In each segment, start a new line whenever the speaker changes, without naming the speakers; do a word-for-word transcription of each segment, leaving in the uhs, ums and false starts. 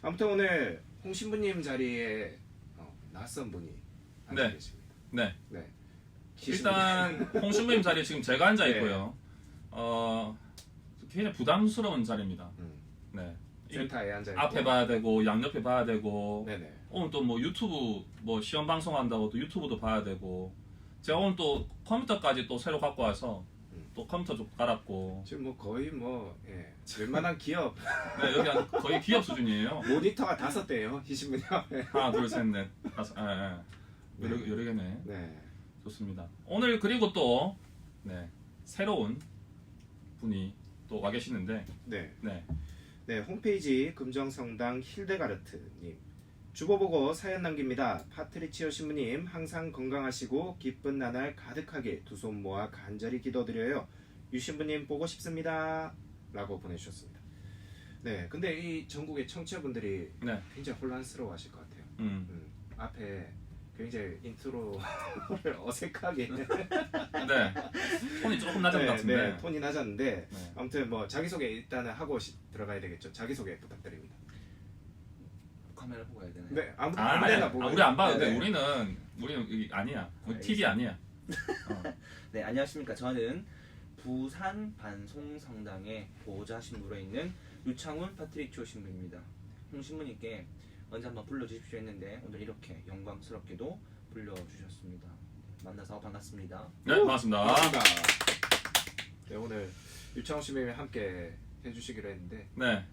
아무튼 오늘 홍 신부님 자리에 어, 낯선 분이 앉아
네.
계십니다.
네.
네.
일단 홍 신부님 자리에 지금 제가 앉아
네.
있고요. 어 굉장히 부담스러운 자리입니다.
음,
네. 이
센터에 앉아 있고
앞에 봐야 되고 양옆에 봐야 되고
네네.
오늘 또 뭐 유튜브 뭐 시험 방송한다고 또 유튜브도 봐야 되고 제가 오늘 또 컴퓨터까지 또 새로 갖고 와서
음.
또 컴퓨터 좀 갈았고
지금 뭐 거의 뭐 예, 웬만한 기업
네, 여기 한 거의 기업 수준이에요.
모니터가 다섯 대예요, 희 신부님.
하나 둘 셋 넷 다섯 예, 예. 여러, 여러 개네.
네.
좋습니다. 오늘 그리고 또 네, 새로운 분이 또 와 계시는데
네.
네.
네, 홈페이지 금정성당 힐데가르트님 주보 보고 사연 남깁니다. 파트리치오 신부님 항상 건강하시고 기쁜 나날 가득하게 두 손 모아 간절히 기도드려요. 유 신부님 보고 싶습니다. 라고 보내주셨습니다. 네, 근데 이 전국의 청취자분들이
네.
굉장히 혼란스러워 하실 것 같아요.
음.
음, 앞에 굉장히 인트로를 어색하게
네. 톤이 조금 낮은
네,
것 같은데.
네, 톤이 낮았는데
네.
아무튼 뭐 자기소개 일단은 하고 시, 들어가야 되겠죠. 자기소개 부탁드립니다.
카메라 보고 해야 되나요?
네, 아무
아,
아무
아니,
데나
아,
보고.
우리 안 봐도
네,
돼.
네.
우리는 우리는 여기 아니야. 우리 티비 아니야. 어.
네, 안녕하십니까. 저는 부산 반송 성당의 보호자 신부로 있는 유창훈 파트리치오 신부입니다. 홍 신부님께 언제 한번 불러주십시오 했는데 오늘 이렇게 영광스럽게도 불러주셨습니다. 만나서 반갑습니다.
네, 반갑습니다.
반갑습니다. 네, 오늘 유창훈 씨님이 함께 해주시기로 했는데
네.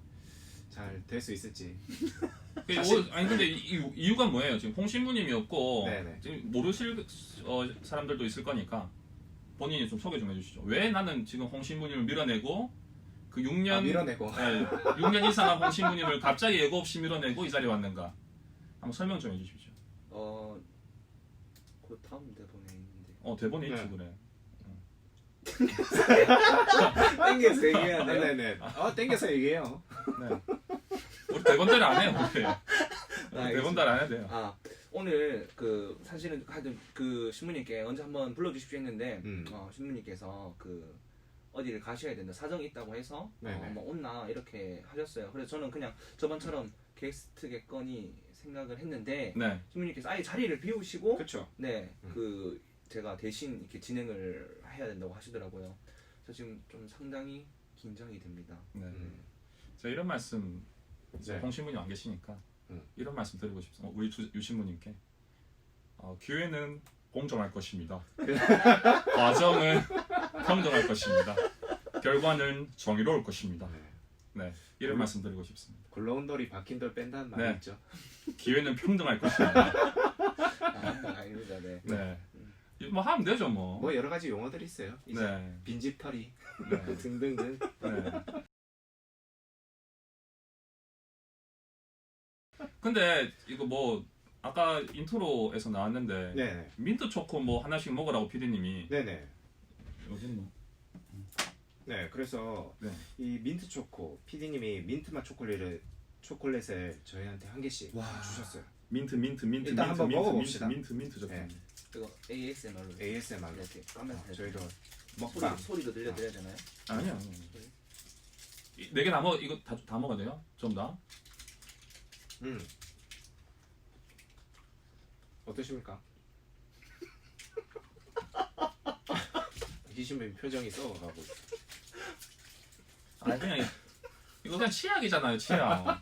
잘 될 수 있을지.
그
사실-
오- 아니 근데 이, 이- 이유가 뭐예요? 지금 홍 신부님이었고
네네.
지금 모르실 어, 사람들도 있을 거니까 본인이 좀 소개 좀 해주시죠. 왜 나는 지금 홍 신부님을 밀어내고 그 육 년
아, 밀어내고.
네, 육 년 이상한 홍 신부님을 갑자기 예고 없이 밀어내고 이 자리에 왔는가? 한번 설명 좀 해주십시오.
어, 그 다음 대본에 있는데
어 대본에 있지
네.
그래.
땡겨서 얘기해야
아,
돼요?
네네. 어, 땡겨서 얘기해요.
네. 우리 대본대로 안 해요. 우리.
아,
대본대로 안 해야 돼요.
아 오늘 그 사실은 하여튼 그 신부님께 언제 한번 불러주십시오 했는데
음.
어, 신부님께서 그 어디를 가셔야 된다 사정이 있다고 해서
네네.
어, 뭐 온나 이렇게 하셨어요. 그래서 저는 그냥 저번처럼 게스트겠거니 생각을 했는데
네.
신부님께서 아예 자리를 비우시고
그렇죠.
네
음.
그 제가 대신 이렇게 진행을 해야 된다고 하시더라고요. 저 지금 좀 상당히 긴장이 됩니다.
네.
음.
제가 이런 말씀 이제
네.
홍 신부님 안 계시니까
음.
이런 말씀 드리고 싶습니다. 우리 주, 유 신부님께 어, 기회는 공정할 것입니다. 과정은 평등할 것입니다. 결과는 정의로울 것입니다.
네.
네, 이런
음.
말씀 드리고 싶습니다.
굴러온 돌이 박힌 돌 뺀다는 말이
네.
있죠.
기회는 평등할 것입니다.
아, 아닙니다. 네.
네, 이거 뭐 하면 되죠 뭐.
뭐 여러 가지 용어들이 있어요. 이제
네,
빈집털이
네,
등등등.
네. 근데 이거 뭐 아까 인트로에서 나왔는데
네네.
민트 초코 뭐 하나씩 먹으라고 피디님이
네네.
여기 뭐
네, 그래서
네.
이 민트 초코 피디님이 민트 맛 초콜릿을 초콜릿을 저희한테 한 개씩
와.
주셨어요.
민트 민트 민트
일단
민트
한번
민트
먹어봅시다.
민트 민트 민트
네.
적혀.
이거 에이에스엠알로
에이에스엠알로
이렇게 까면서
어, 저희도
소리,
먹방.
소리도 들려드려야 되나요?
아니야. 아니야. 네개 다 먹 이거 다, 다 먹어야 돼요? 좀 다?
음. 어떠십니까? 희신님 표정이 썩어가고 있어.
아니 그냥 이- 이거 그냥 치약이잖아요 치약.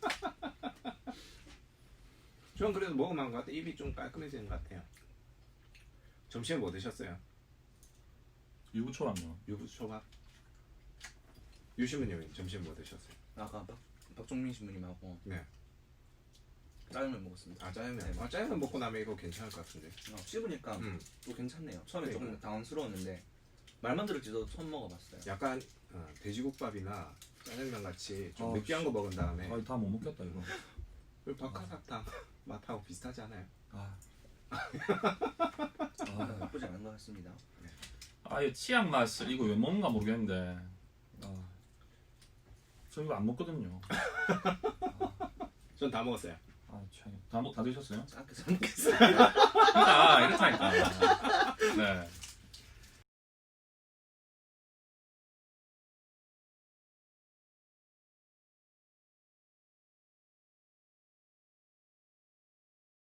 전 그래도 먹으면 것 같아. 입이 좀 깔끔해지는 것 같아요. 점심에 뭐 드셨어요?
유부초랑요.
유부초밥. 유시문님은 점심 뭐 드셨어요?
아까 박, 박종민 신부님하고
네.
짜장면 먹었습니다.
아 짜장면.
네.
아 짜장면 먹고 나면 이거 괜찮을 것 같은데.
어, 씹으니까
음.
또 괜찮네요. 처음에 조금
그러니까.
당황스러웠는데 말만 들었지도 처음 먹어봤어요.
약간 어, 돼지국밥이나 짜장면 같이 좀
아,
느끼한 거 먹은 다음에
아 다 못 먹겠다 이거.
그 박하사탕 맛하고 비슷하지 않아요?
아.
아,
아,
나쁘지 않은 것 같습니다.
아예 치약 맛을 이거 왜 먹는가 모르겠는데. 아. 저 이거 안 먹거든요.
전 다 먹었어요.
아 참. 다, 먹, 다 드셨어요?
아까 잘 먹겠어요.
그러니까 이렇다니까.